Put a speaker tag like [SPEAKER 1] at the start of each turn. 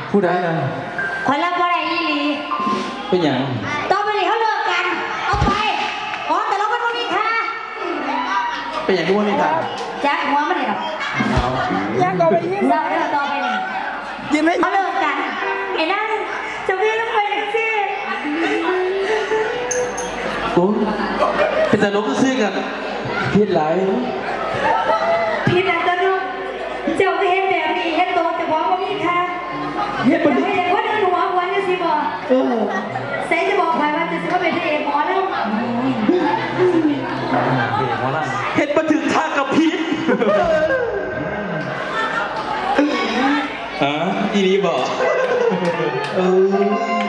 [SPEAKER 1] ผู้ใดนะ
[SPEAKER 2] คนรับว่าอะไรอีหลี
[SPEAKER 1] เป็นอย่าง
[SPEAKER 2] ต่อไปนี้เขาเลิกกันเอาไปอ๋อแต่เรามันไม่มีค่า
[SPEAKER 1] เป็นอย่างที่ว่ามีทาง
[SPEAKER 2] แจ็คหัวมันเลยหรอ
[SPEAKER 1] เอา
[SPEAKER 3] ยังก็ไปยิง
[SPEAKER 2] เราเลิกต่อไปนี่
[SPEAKER 3] ยินไม่
[SPEAKER 2] เขาเลิกกันไอ้นั่นจะพี่ต้องไปสิ
[SPEAKER 1] โอ้เป็นแต่ลบซื้อกันพิษหลาย
[SPEAKER 2] พี่นันตนุเจ้าก็เห็นแบบนี้เห็นตัวแต่ว่าไม่มีค่า
[SPEAKER 1] เฮ็ด
[SPEAKER 2] จะ
[SPEAKER 1] มัน
[SPEAKER 2] ไม่เห็นว่าเดินหัววันจะสิบอก
[SPEAKER 1] เออ
[SPEAKER 2] เซจะบอกใครว่าจะสิว่าเป็นเอกหมอแล้ว
[SPEAKER 1] เฮ็ดมาถึงทางกับพิษอีนี้บอกเออ